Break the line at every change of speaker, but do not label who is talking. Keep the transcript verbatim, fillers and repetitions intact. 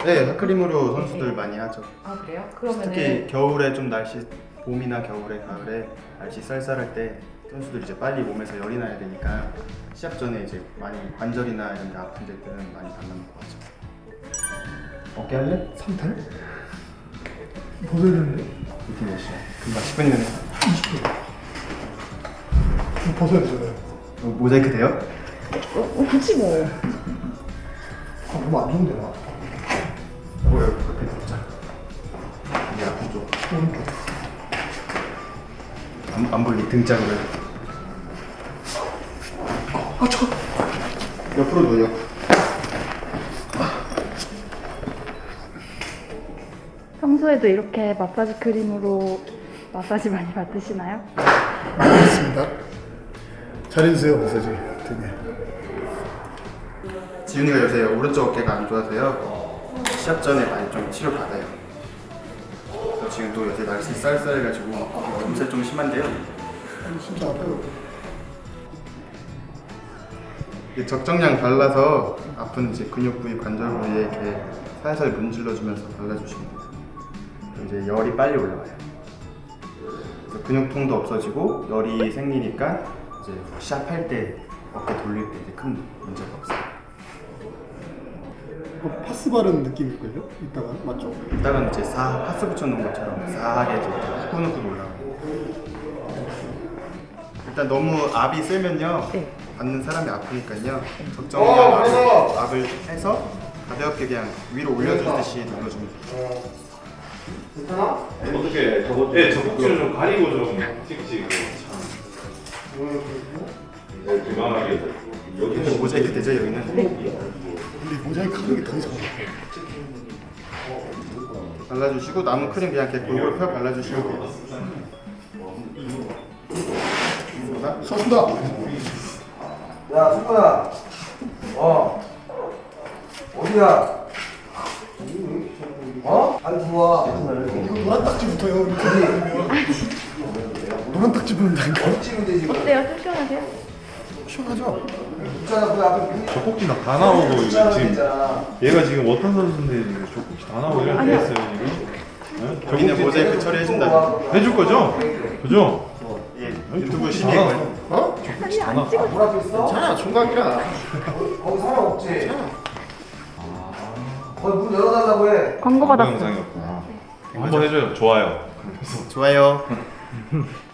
네, 핫크림으로 선수들 많이 하죠.
아 그래요? 그러면은
특히 겨울에 좀 날씨 봄이나 겨울에 가을에 날씨 쌀쌀할 때 선수들이 이제 빨리 몸에서 열이 나야 되니까 시합 전에 이제 많이 관절이나 이런 데 아픈 데들은 많이 발라놓고 하죠. 어깨 할래?
삼 탈? 벗어야 되는데?
이렇게 몇 시야? 금방 십 분이면 해.
이십 분. 이거 벗어야 되잖아요.
어, 모자이크 돼요?
어, 어 그치 뭐.
아, 너무 안 좋은데, 나.
어, 여기 옆에 덮자. 이게 아픈 쪽.
오른쪽.
안, 안 보이게 등짝으로 해.
아, 저.
옆으로 누워.
평소에도 이렇게 마사지 크림으로 마사지 많이 받으시나요?
알겠습니다. 잘해주세요, 마사지. 되게.
지훈이가 요새 오른쪽 어깨가 안 좋아서요. 시합 전에 많이 좀 치료 받아요. 그래서 지금 또 요새 날씨 쌀쌀해가지고 몸살 좀 심한데요.
진짜 아파요.
이게 적정량 발라서 아픈 이제 근육 부위, 관절 부위에 이렇게 살살 문질러주면서 발라주시면 돼요. 그럼 이제 열이 빨리 올라와요. 그래서 근육통도 없어지고 열이 생기니까 이제 시합할 때 어깨 돌릴 때 이제 큰 문제가 없어요.
어, 파스 바른 느낌일걸요? 이따가 맞죠?
이따가는 이제 사 파스 붙여놓은 것처럼 싸하게 이제 후끈후끈 올라오고. 일단 너무 압이 세면요
네.
받는 사람이 아프니까요 적정량 압을, 압을 해서 가볍게 그냥 위로 올려주듯이 눌러주면 돼요.
어떻게 저거 네 젖꼭지를 좀 가리고 좀 찍지 네, 그만하게
여기는 모자이크 되죠 여기는?
근데 모자이크 하는 게 더 이상해.
발라주시고 남은 크림 그냥 이렇게 골고루 펴 발라주시면 돼요.
서준다.
야, 승관아. 어. 어디야? 어? 안 들어와.
이거 노란 딱지 붙어요. 이렇게 하면. 노란 딱지 붙는다니까.
찍으면 되지.
어때요? 쫓겨나세요?
시원하죠?
있잖아, 그 앞에 문
젖꼭지 막 다 나오고 이거
있잖아,
지금
있잖아.
얘가 지금 어떤 선수인데 지금 젖꼭지 다 나오고 이렇게
아니요.
했어요 지금 네?
여기는
젖꼭지
모자이크 처리해준다고.
해줄 거죠? 그죠?
예,
아니,
유튜브
젖꼭지
심의
다
거예요.
나왔어.
어?
아니 안 찍어.
문 앞에 있어?
괜찮아, 총각이라.
거기, 거기 사람 없지? 거기 문 열어달라고 해.
광고
광고
받았어요.
영상이었구나 한번 해줘요 좋아요
좋아요.